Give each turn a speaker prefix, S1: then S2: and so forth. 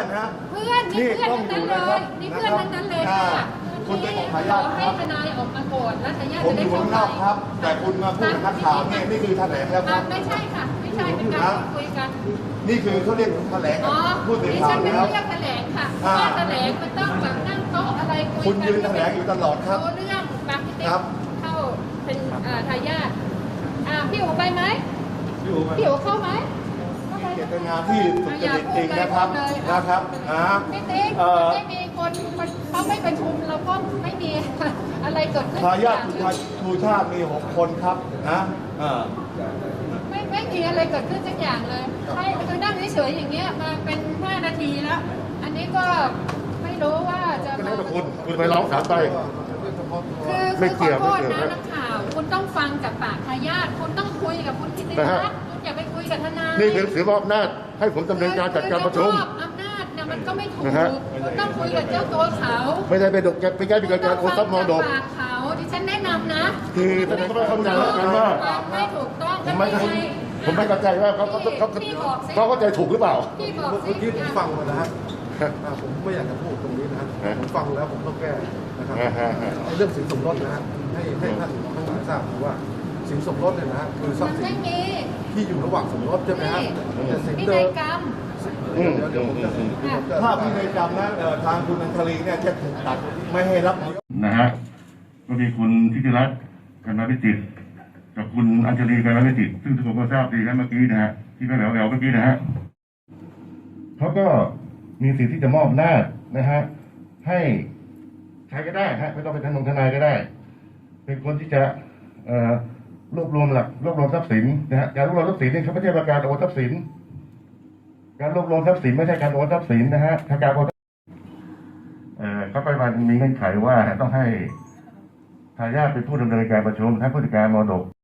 S1: อนฮะ
S2: เพื่อนนี่เพื่อนทั้งนั้นเลยนี่เพื่อนทั้งนั้นเลยค่ะ
S1: คุณเป็นของทายาท
S2: ให้ทนายออกมาโกรธแล้วทายาท
S1: ผม
S2: จะ
S1: อ
S2: ได้
S1: ยู่
S2: เข้า
S1: ข้าง
S2: ไป
S1: นอกครับ แต่คุณมาพูดกับนักข่าวเนี่ยนี่คือแถลงแล้วครับ
S2: ไม่ใช่ค่ะไม่ใช่เป็นการคุยกัน
S1: นี่คือเขาเรียกแถลง
S2: อ๋อ
S1: พูดถึง
S2: ดิ
S1: ข่า
S2: ฉั
S1: วน
S2: ไม่
S1: แล้ว
S2: เรียกแถลงค่ะเพราะว่าแถลงมันต้องแบบนั่งโต๊ะอะไรคุยกัน
S1: คุณยืนแถลงอยู่ตลอดครับ
S2: รู้เรื่องบางพิติ
S1: ครับ
S2: เข้าเป็นทายาทพี่อู๋ไปไหม
S1: อยู่ไหม
S2: พี่อู๋เข้าไหมเข้าไป
S1: เจตนาที่สุจริตจริงนะครับนะครับอ่า
S2: พี่ติ๊กไม่มีคนเขาไม่ประชุมเราก็ไม่มีอะไรเกิดขึ้น
S1: ทายาทชูชาติมี6 คนครับนะ
S2: ไม่มีอะไรเกิดขึ้นสักอย่างเลยให้คือนั่งเฉยๆอย่างเงี้ยมาเป็น5 นาทีแล้ว อันนี้ก็ไม่รู้ว่าจะ
S3: ก็แล้วแต่คุณไปร้องศาลไป
S2: คือขอโทษนะนักข่าวคุณต้องฟังจากปากทายาทคุณต้องคุยกับคุณกิติรัตน์คุณอย่าไปคุยกับทนาย
S3: นี่เป็นถือมอบอำนาจให้ผมดำเนินการจัดการประชุม
S2: คืออำนาจเนี่ยมันก็ไม่ถูก
S3: นะฮะ
S2: คุณต้องคุยกับเจ้าตัวเขา
S3: ไม่ได้ไปดกไปแก้ปิดการโอนทรัพย์มรดก
S2: ปากเขาดิฉันแนะนำนะ
S3: คือแสดงว่าเข้าใจแล้วกันว่า
S2: ไม่ถูกต้อง
S3: ผมไม่เข้าใจว่าเขาเข้าใจถูกหรือเปล่า
S2: พี่บอก
S4: เมื่อ
S2: สิ
S4: กี้ผมฟังมานะฮะผมไม่อยากจะพูดตรงนี้นะฮะผมฟังแล้วผมต้องแก้นะครับในเรื่องสินสมรสนะฮะให้ท่านทั้งหลายทราบว่าสินสมรสเนี่ยนะฮะคือทรั
S2: มั
S4: พ
S2: น
S4: ย์สิ
S2: ไม่
S4: น
S2: มี
S4: ที่อยู่ระหว่างสมรสใช่ไหมฮะแต่สิน
S2: พิ
S4: เดิ
S2: นัย
S4: ม
S2: กรรม
S4: เดี๋ยวผมจะ
S1: ถ้าพินัยกรรมนะทางคุณอัญชลีเนี่ยจะถูกตัดไม่ให้รับ
S3: นะฮะก็มีคุณทิติรัตน์กันมาพิจิตรกับคุณอัญชลีกันมาพิจิตรซึ่งทุกคนก็ทราบดีกันเมื่อกี้นะฮะที่ก็แหววเมื่อกี้นะฮะเขาก็มีสิทธิ์ที่จะมอบอำนาจนะฮะให้ใครก็ได้ฮะไม่ต้องเป็นทนายก็ได้ เป็นคนที่จะรวบรวมทรัพย์สินนะฮะการรวบรวมทรัพย์สินนี่เขาไม่ใช่การโอนทรัพย์สินการรวบรวมทรัพย์สินไม่ใช่การโอนทรัพย์สินนะฮะถ้าการโอนเขาไปวันมีเงื่อนไขว่าต้องให้ทายาทเป็นผู้ดำเนินการประชุมทั้งผู้จัดการมรดก